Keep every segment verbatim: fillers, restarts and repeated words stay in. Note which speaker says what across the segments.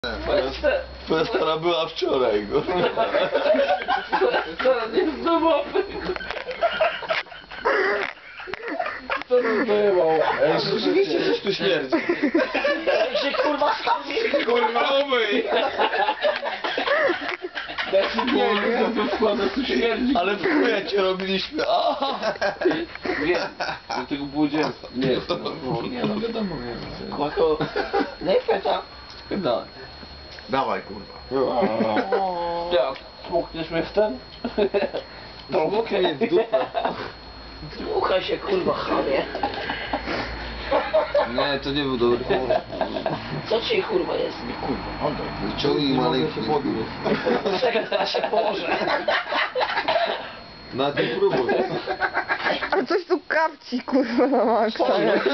Speaker 1: Twoja stara była wczoraj, go.
Speaker 2: Stara nie jest domowy. Co to zajmował?
Speaker 1: Ej, rzeczywiście coś tu śmierdzi.
Speaker 3: Ej, się kurwa stawi!
Speaker 1: Kurwa, umyj!
Speaker 2: Ja się nie wiem, co to składa, tu śmierdzi.
Speaker 1: Ale w chuja cię robiliśmy, aha!
Speaker 2: Wiem, do tego było dziecko. Nie, no, nie, no wiadomo, wiem.
Speaker 3: Kłako, daj feta.
Speaker 2: No.
Speaker 1: Dawaj, kurwa.
Speaker 2: Ja, smukniesz mnie w ten?
Speaker 1: Smuknij mnie w dupę.
Speaker 3: Dmuchaj się kurwa, chamie.
Speaker 1: Nie, to nie był dobry pomysł.
Speaker 3: Co ci kurwa jest?
Speaker 1: Kurwa, oddaj. Wyciągnij maleńki.
Speaker 3: Czekaj, teraz się położę.
Speaker 1: Na tym próbuj.
Speaker 4: A coś tu kapci, kurwa, na maksa.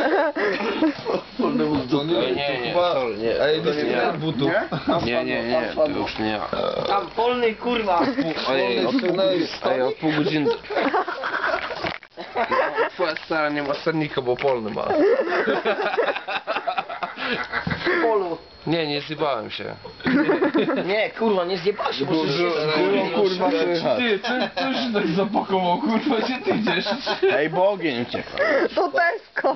Speaker 1: To nie,
Speaker 2: Nie, nie,
Speaker 1: chyba...
Speaker 2: sorry, nie.
Speaker 1: Ej,
Speaker 2: To
Speaker 1: nie
Speaker 2: nie
Speaker 1: nie
Speaker 2: ja.
Speaker 1: butów.
Speaker 2: Nie, nie, nie, to już nie ja.
Speaker 3: Tam polny kurwa.
Speaker 2: Ojej, od pół,
Speaker 1: Wyciągnąłeś
Speaker 2: ej, od pół godziny. Twoja stara nie ma sernika, bo polny ma.
Speaker 3: Polu.
Speaker 2: Nie, nie zjebałem się.
Speaker 3: Nie, kurwa, nie zjebał się, bo
Speaker 1: Było, kurwa, słychać.
Speaker 2: Ty, ty, ty się tak zapakował, kurwa, gdzie ty idziesz?
Speaker 5: Ej, bo ogień ucieka.
Speaker 4: To Tesco.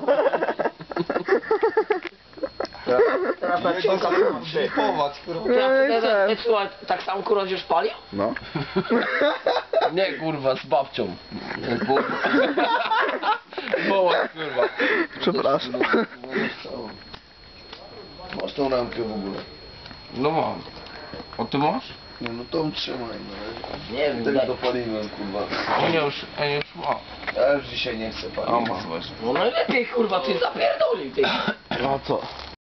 Speaker 3: Teraz na ciąga
Speaker 1: Zlipować, kurwa.
Speaker 3: Słuchaj, tak samo kurwa już palił?
Speaker 5: No.
Speaker 2: Nie, kurwa, z babcią. Bo... Woła, kurwa.
Speaker 5: Przepraszam.
Speaker 1: Masz tą ramkę w ogóle.
Speaker 2: No mam. A ty masz?
Speaker 1: Nie, no tą trzymaj, no.
Speaker 3: Nie wiem,
Speaker 1: Tym
Speaker 3: daj.
Speaker 1: dopaliłem, kurwa.
Speaker 2: A nie już, a nie już ma.
Speaker 1: Ja już dzisiaj nie chcę
Speaker 2: A
Speaker 1: palić.
Speaker 2: masz właśnie.
Speaker 3: No najlepiej kurwa, ty zapierdolił ty.
Speaker 5: A co?